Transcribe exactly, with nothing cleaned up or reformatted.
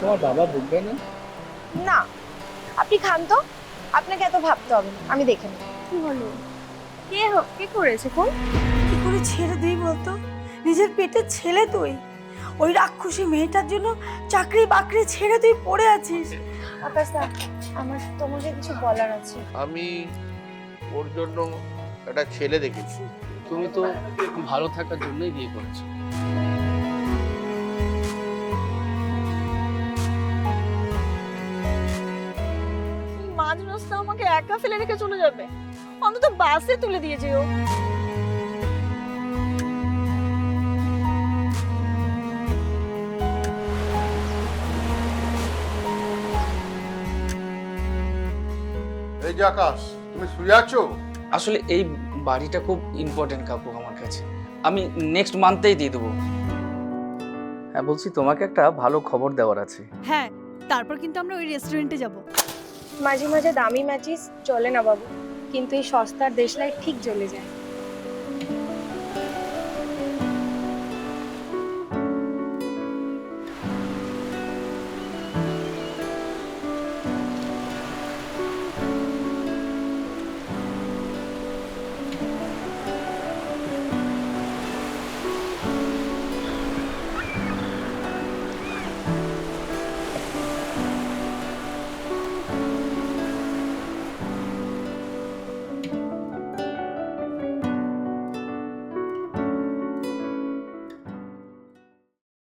তোমার বাবা বলবে না? না, আপনি খান তো, আপনাকে এত ভাবতে হবে না, আমি দেখে নেব। কি হলো? কে হো- কে করেছে ফোন? কি করে ছেড়ে দিই বলতো? নিজের পেটের ছেলে তুই, ওই রাক্ষসী মেয়েটার জন্য চাকরি বাকরি ছেড়ে তুই পড়ে আছিস। আকাশ দা, আমার তোমাকে কিছু বলার আছে। আমি ওর জন্য একটা ছেলে দেখেছি। তুমি তো ভালো থাকার জন্যই বিয়ে করেছো। মাঝ রাস্তা আমাকে একা ফেলে রেখে চলে যাবে? অন্তত বাসে তুলে দিয়ে যেও। এই যে আকাশ, তুমি শুয়ে আছো? আসলে এই বাড়িটা খুব ইম্পর্টেন্ট কাকু আমার কাছে, আমি নেক্সট মান্থেই দিয়ে দেবো। হ্যাঁ বলছি, তোমাকে একটা ভালো খবর দেওয়ার আছে। হ্যাঁ, তারপর কিন্তু আমরা ওই রেস্টুরেন্টে যাব। মাঝে মাঝে দামি ম্যাচিস চলে না বাবু, কিন্তু এই সস্তার দেশলাই ঠিক জ্বলে যায়।